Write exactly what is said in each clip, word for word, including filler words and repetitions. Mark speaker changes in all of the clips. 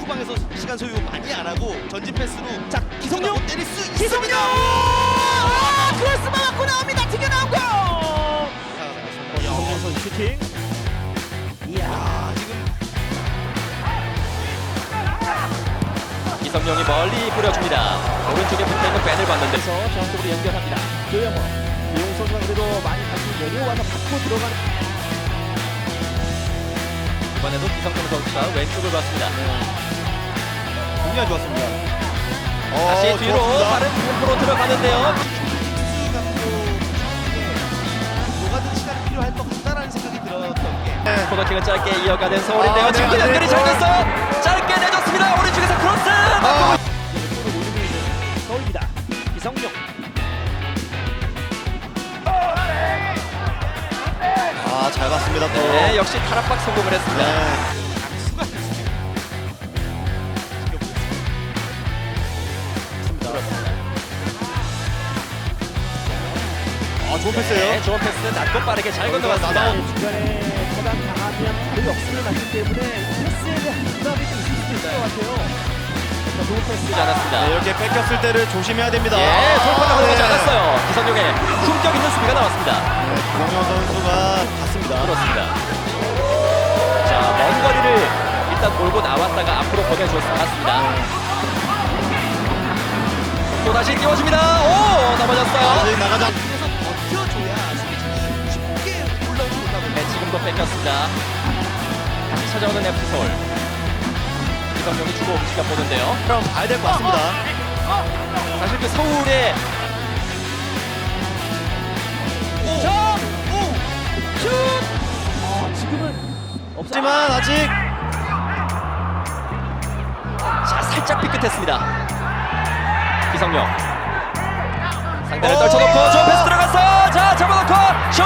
Speaker 1: 후방에서 시간 소요 많이 안 하고 전진 패스로
Speaker 2: 자, 기성용
Speaker 1: 때릴 수
Speaker 2: 기성용!
Speaker 1: 있습니다.
Speaker 2: 아, 크로스 막고 나옵니다. 튀겨나온 거. 기성용 선수 슈팅. 이야,
Speaker 1: 아, 지금
Speaker 3: 기성용이 멀리 뿌려줍니다. 오른쪽에 붙어있는 밴을 봤는데
Speaker 2: 그래서 정쪽으로 연결합니다. 조영호. 조영 선수가 그래도 많이 다시 내려와서 받고 들어가는.
Speaker 3: 이번에도 기성용 선수가 왼쪽을 봤습니다.
Speaker 1: 공략 좋았습니다.
Speaker 3: 다시
Speaker 1: 어,
Speaker 3: 뒤로
Speaker 1: 좋았습니다.
Speaker 3: 빠른 템포로 들어가는데요.
Speaker 1: 수 감독 녹아든 시간이 필요할 것 같다라는 생각이 들었던 게
Speaker 3: 네. 코너킥은 짧게 이어가는 서울인데요.
Speaker 1: 아, 네,
Speaker 3: 지금
Speaker 1: 네,
Speaker 3: 연결이
Speaker 1: 네.
Speaker 3: 잘 됐어요. 짧게 내줬습니다. 오른쪽에서 크로스.
Speaker 1: 아,
Speaker 2: 골을 올리고 있는 서울입니다. 기성용.
Speaker 1: 아, 잘 봤습니다. 또.
Speaker 3: 네, 역시 탈압박 성공을 했습니다.
Speaker 1: 네. 아, 좋은 패스예요.
Speaker 3: 네, 좋은 패스 낮고 빠르게 잘 건너갔습니다.
Speaker 1: 나다운.
Speaker 2: 중간에 차단 당하면 바로 역습을 맞기 때문에 패스에 대한 부담이 좀 있을 수도 있을 것 같아요. 자, 좋은 패스.
Speaker 3: 쓰지 않았습니다.
Speaker 1: 네, 이렇게 뺏겼을 때를 조심해야 됩니다.
Speaker 3: 예, 돌파가 들어가지
Speaker 1: 네.
Speaker 3: 않았어요. 기성용의 품격 있는 수비가 나왔습니다.
Speaker 1: 공영 선수가 갔습니다.
Speaker 3: 그렇습니다. 자, 먼 거리를 일단 몰고 나왔다가 앞으로 보내주었습니다. 맞습니다. 또 다시 띄워줍니다. 오, 넘어졌어요.
Speaker 1: 아직 나가자. 그래서 버텨줘야 수비진이 쉽게 올라오지 못하고.
Speaker 3: 네, 지금도 뺏겼습니다. 다시 찾아오는 에프씨 서울. 기성용이 주고 지가 보는데요.
Speaker 1: 그럼 봐야 될 것 같습니다.
Speaker 3: 사실 그 서울의
Speaker 2: 점!
Speaker 1: 오!
Speaker 2: 슛! 아, 지금은 없어.
Speaker 1: 하지만 아직
Speaker 3: 자, 살짝 삐끗했습니다. 기성용 상대를
Speaker 1: 오!
Speaker 3: 떨쳐놓고 저 패스 들어갔어요. 자, 잡아놓고 슛!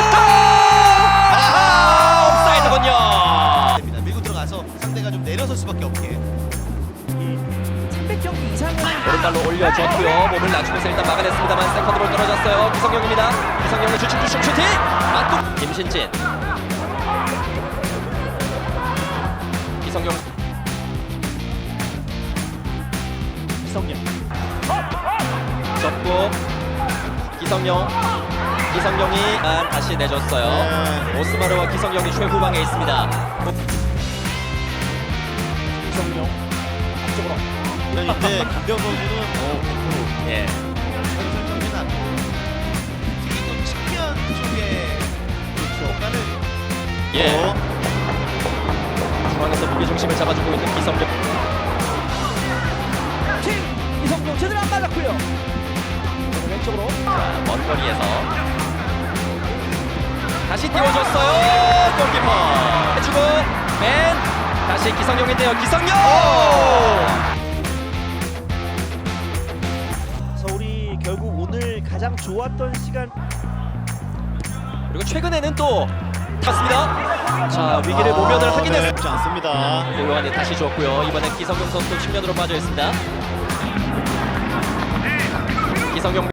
Speaker 3: 아, 옵사이드군요.
Speaker 1: 됩니다. 밀고 들어가서 상대가 좀 내려설 수밖에 없게.
Speaker 2: 삼백 경기 이상은
Speaker 3: 오른발로 올려줬고요. 몸을 낮추면서 일단 막아냈습니다만 세컨드로 떨어졌어요. 기성용입니다. 기성용의 주춤 주춤 슈팅! 맞고 김신진. 기성용.
Speaker 2: 기성용.
Speaker 3: 접고 기성용. 기성용이 아, 다시 내줬어요.
Speaker 1: 네.
Speaker 3: 오스마르와 기성용이 최후방에 있습니다.
Speaker 2: 기성용. 앞쪽으로.
Speaker 1: 이제 강병 선수는 어, 백 퍼센트
Speaker 3: 예.
Speaker 1: 전술적인 안 특히 또 측면 쪽에 공간을
Speaker 3: 예.
Speaker 1: 어,
Speaker 3: 중앙에서 무게 중심을 잡아주고 있는 기성용.
Speaker 2: 킹! 이성용 제대로 안 맞았고요. 오늘 왼쪽으로.
Speaker 3: 자, 먼 거리에서 다시 띄워줬어요. 골키퍼 해주고 맨 다시 기성용인데요. 기성용.
Speaker 2: 서울이 결국 오늘 가장 좋았던 시간.
Speaker 3: 그리고 최근에는 또 탔습니다. 자, 위기를 모면을 하긴
Speaker 1: 네,
Speaker 3: 했습니다.
Speaker 1: 쉽지 않습니다.
Speaker 3: 요한이 다시 줬고요. 이번엔 기성용 선수 측면으로 빠져 있습니다. 기성용